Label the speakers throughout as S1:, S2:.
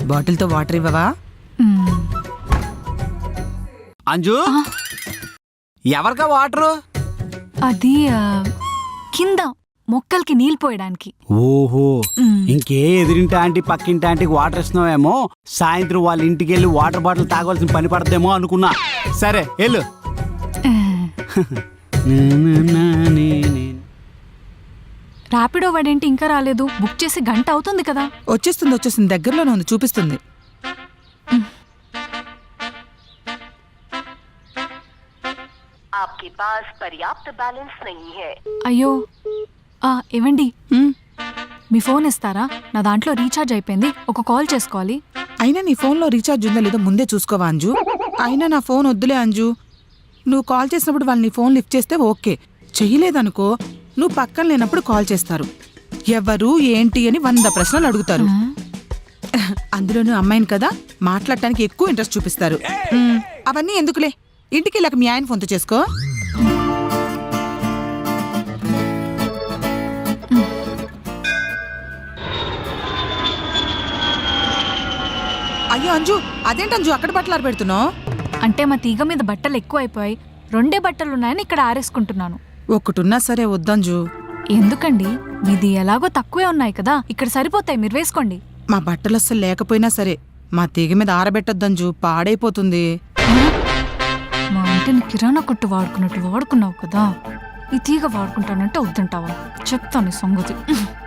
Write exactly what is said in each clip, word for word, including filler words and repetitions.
S1: బాటిల్తో water ఇవ్వవా?
S2: అంజు, ఎవరికా water?
S3: అది కింద మొక్కలకి నీళ్ళు పోయడానికి.
S2: ఓహో, ఇంకే ఎదిరింటి ఆంటీ పక్కింటి ఆంటీకి వాటర్ ఇస్తున్నావేమో, సాయంత్రం వాళ్ళ ఇంటికి వెళ్ళి వాటర్ బాటిల్ తాగవలసిన పని పడదేమో అనుకున్నా. సరే వెళ్ళు.
S3: ర్యాపిడో వాడేంటి ఇంకా రాలేదు? బుక్ చేసి గంట అవుతుంది కదా.
S1: వచ్చేస్తుంది వచ్చేస్తుంది దగ్గరలోనే ఉంది, చూపిస్తుంది.
S3: అయ్యో ఏవండి, మీ ఫోన్ ఇస్తారా? నా దాంట్లో రీఛార్జ్ అయిపోయింది, ఒక కాల్ చేసుకోవాలి.
S1: అయినా నీ ఫోన్లో రీఛార్జ్ ఉందో లేదో ముందే చూసుకోవా అంజు? అయినా నా ఫోన్ వద్దులే అంజు. నువ్వు కాల్ చేసినప్పుడు వాళ్ళు నీ ఫోన్ లిఫ్ట్ చేస్తే ఓకే, చెయ్యలేదనుకో నువ్వు పక్కన లేనప్పుడు కాల్ చేస్తారు. ఎవరు ఏంటి అని వంద ప్రశ్నలు అడుగుతారు. అందులోనూ అమ్మాయిని కదా, మాట్లాడటానికి ఎక్కువ ఇంట్రెస్ట్ చూపిస్తారు. అవన్నీ ఎందుకులే, ఇంటికి వెళ్ళాక మీ ఆయన ఫోన్తో చేసుకో. అయ్యో అంజు, అదేంటి అంజు అక్కడ బట్టలు ఆరబెడుతున్నావు?
S3: అంటే మా తీగ మీద బట్టలు ఎక్కువ అయిపోయాయి, రెండే బట్టలున్నాయని ఇక్కడ ఆరేసుకుంటున్నాను.
S1: ఒక్కటున్నా సరే వద్దంజు.
S3: ఎందుకండి, మీది ఎలాగో తక్కువే ఉన్నాయి కదా, ఇక్కడ సరిపోతాయి, మీరు వేసుకోండి.
S1: మా బట్టలు అస్సలు లేకపోయినా సరే మా తీగ మీద ఆరబెట్టొద్దంజు, పాడైపోతుంది.
S3: మా ఇంటిని కిరాణా కొట్టు వాడుకున్నట్టు వాడుకున్నావు కదా, ఈ తీగ వాడుకుంటానంటే వద్దంటావా? చెప్తాను ఈ సంగతి.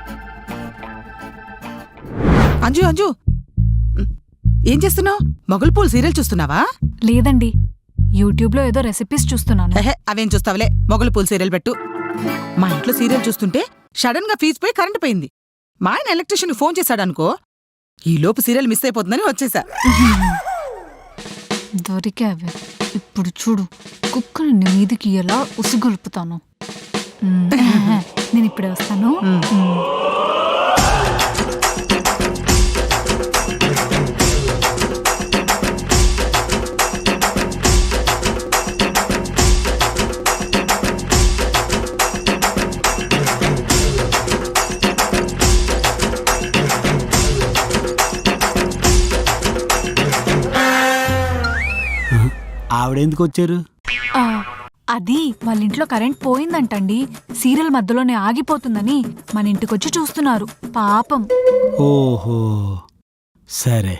S1: అంజు అంజు ఏం చేస్తున్నావు? మొగలు పూలు సీరియల్ చూస్తున్నావా?
S3: లేదండి, యూట్యూబ్ లో ఏదో రెసిపీస్ చూస్తున్నాను.
S1: అవేం చూస్తావులే, మొగలు పూలు సీరియల్ పెట్టు. మా ఇంట్లో సీరియల్ చూస్తుంటే సడన్ గా ఫీజు పోయి కరెంటు పోయింది. మా ఆయన ఎలక్ట్రీషియన్ ఫోన్ చేశాడనుకో, ఈ లోపు సీరియల్ మిస్ అయిపోతుందని వచ్చేసా.
S3: దొరికావే, ఇప్పుడు చూడు కుక్కని మీదికి ఎలా ఉసిగొలుపుతాను. నేను ఇప్పుడే వస్తాను.
S2: ఆవిడెందుకు వచ్చారు?
S3: అది వాళ్ళ ఇంట్లో కరెంట్ పోయిందంటండి, సీరియల్ మధ్యలోనే ఆగిపోతుందని మన ఇంటికొచ్చి చూస్తున్నారు పాపం.
S2: ఓహో సరే.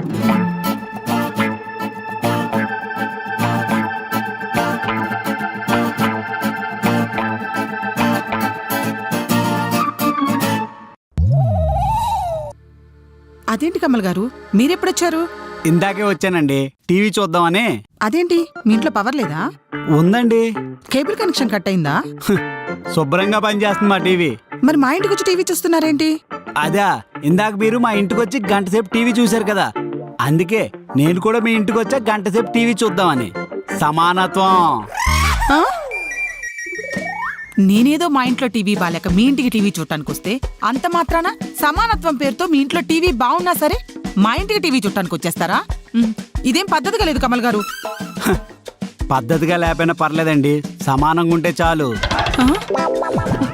S1: అదేంటి కమల్ గారు, మీరెప్పుడొచ్చారు?
S2: ఇందాకే వచ్చానండి, టీవీ చూద్దామని.
S1: అదేంటి, మీ ఇంట్లో పవర్ లేదా?
S2: ఉందండి.
S1: కేబుల్ కనెక్షన్ కట్ అయిందా?
S2: శుభ్రంగా పనిచేస్తుంది మా టీవీ.
S1: మరి మా ఇంటికి వచ్చి టీవీ చూస్తున్నారేంటి?
S2: అదా, ఇందాక మీరు మా ఇంటికి వచ్చి గంట సేపు టీవీ చూశారు కదా, అందుకే నేను కూడా మీ ఇంటికి వచ్చా గంట సేపు టీవీ చూద్దామని. సమానత్వం.
S1: నేనేదో మా ఇంట్లో టీవీ బాలేక మీ ఇంటికి టీవీ చూడటానికి వస్తే అంత మాత్రాన సమానత్వం పేరుతో మీ ఇంట్లో టీవీ బాగున్నా సరే మా ఇంటికి టీవీ చూడటానికి వచ్చేస్తారా? ఇదేం పద్ధతిగా లేదు కమల్ గారు.
S2: పద్ధతిగా లేకపోయినా పర్లేదండి, సమానంగా ఉంటే చాలు.